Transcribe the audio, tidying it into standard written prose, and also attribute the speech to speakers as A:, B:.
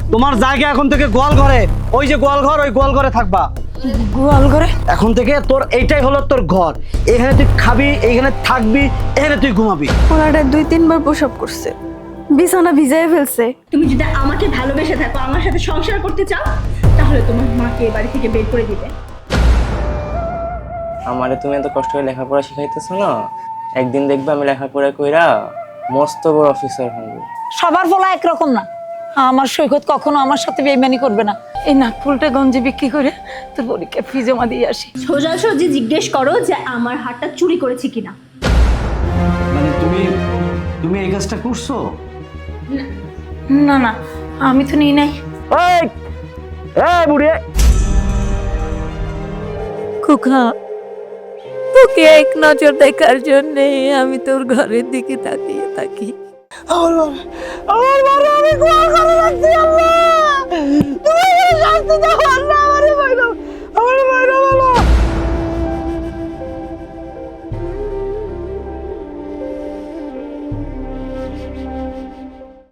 A: তোমার জায়গা এখন থেকে গোয়াল ঘরে, ওই যে গোয়াল ঘর, ওই গোয়াল ঘরে থাকবা।
B: গোয়াল ঘরে?
A: এখন থেকে তোর এইটাই হলো তোর ঘর। এখানে তুই খাবি, এইখানে থাকবি, এখানে তুই ঘুমাবি।
B: ওনারা 2-3 বার প্রসব করছে, বিছানা ভিজায় ফেলছে।
C: তুমি যদি আমাকে ভালোবেসে থাকো, আমার সাথে সংসার করতে চাও, তাহলে তোমার মাকে এ বাড়ি থেকে বের করে দিবে।
D: আমারে তুমি এত কষ্ট করে লেখাপড়া শিখাইতেছো না, একদিন দেখবে আমি লেখাপড়া কইরা মস্ত বড় অফিসার হব।
E: সবার বলা একরকম না। আমার সৈকত কখনো আমার সাথে বেইমানি করবে না।
B: এই নাকফুলটা গঞ্জি বিক্রি করে তোর পরীক্ষা ফি জমা দিয়ে আসি।
C: সোজাসুজি জিজ্ঞেস করো যে আমার হারটা চুরি করেছি কিনা।
A: মানে তুমি এই কাজটা করছো?
B: না না, আমি তো নিই নাই।
A: এই এই বুড়ি,
F: খোকা, তোকে এক নজর দেখার জন্যে আমি তোর ঘরের দিকে তাকিয়ে থাকি।
A: আমার মারে আমি গোয়াল ঘরে রাখছি আল্লাহ।